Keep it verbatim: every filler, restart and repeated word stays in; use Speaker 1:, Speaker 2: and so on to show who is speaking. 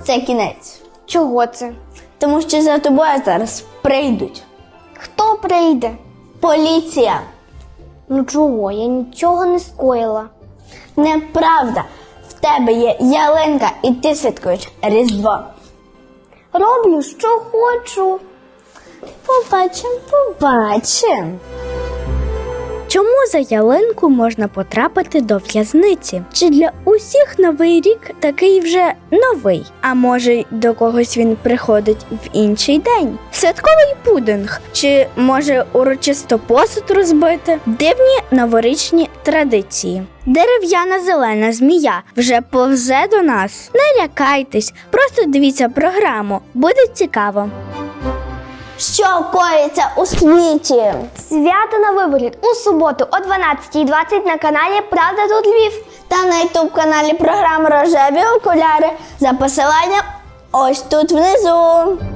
Speaker 1: це кінець.
Speaker 2: Чого це?
Speaker 1: Тому що за тобою зараз прийдуть.
Speaker 2: Хто прийде?
Speaker 1: Поліція.
Speaker 2: Ну чого? Я нічого не скоїла.
Speaker 1: Неправда. В тебе є ялинка і ти святкуєш Різдво.
Speaker 2: Роблю, що хочу.
Speaker 1: Побачим, побачим.
Speaker 3: Чому за ялинку можна потрапити до в'язниці? Чи для усіх Новий рік такий вже новий? А може, до когось він приходить в інший день? Святковий пудинг? Чи може урочисто посуд розбити? Дивні новорічні традиції. Дерев'яна зелена змія вже повзе до нас. Не лякайтесь, просто дивіться програму, буде цікаво.
Speaker 1: Що коїться у світі?
Speaker 2: Свято на виборі у суботу о дванадцятій двадцять на каналі «Правда тут Львів».
Speaker 1: Та на ютуб-каналі програми «Рожеві окуляри» за посиланням ось тут внизу.